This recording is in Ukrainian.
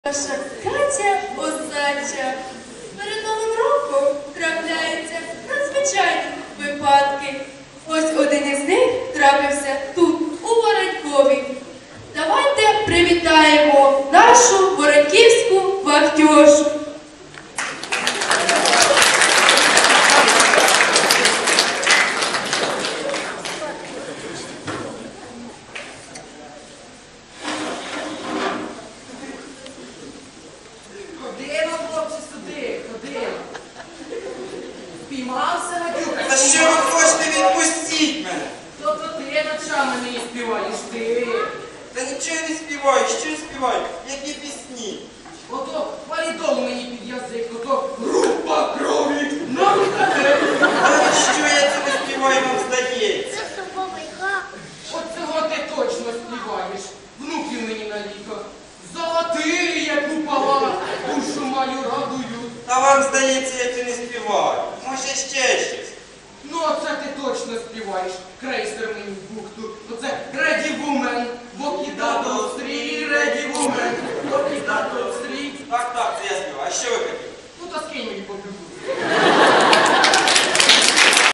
Наша Катя Осадча. Перед Новим роком трапляються надзвичайні випадки. Ось один із них трапився тут, у Воронькові. Давайте привітаємо нашу вороньківську вахтьошу. Спіймався, Гадюка? Та що ви хочете, відпустіть мене? Тобто ти ночами не співаєш, ти. Та нічого я не співаю, що я співаю? Які пісні? Ото валідол мені під язик, ото група крові на вихаде. Але що я це не співаю, вам здається? От цього ти точно співаєш. Внуків мені на літо. Золотий, як купола, душу мою радую. А вам здається, я це не співаю. Може ще щось? Ну, оце ти точно співаєш. Крейсер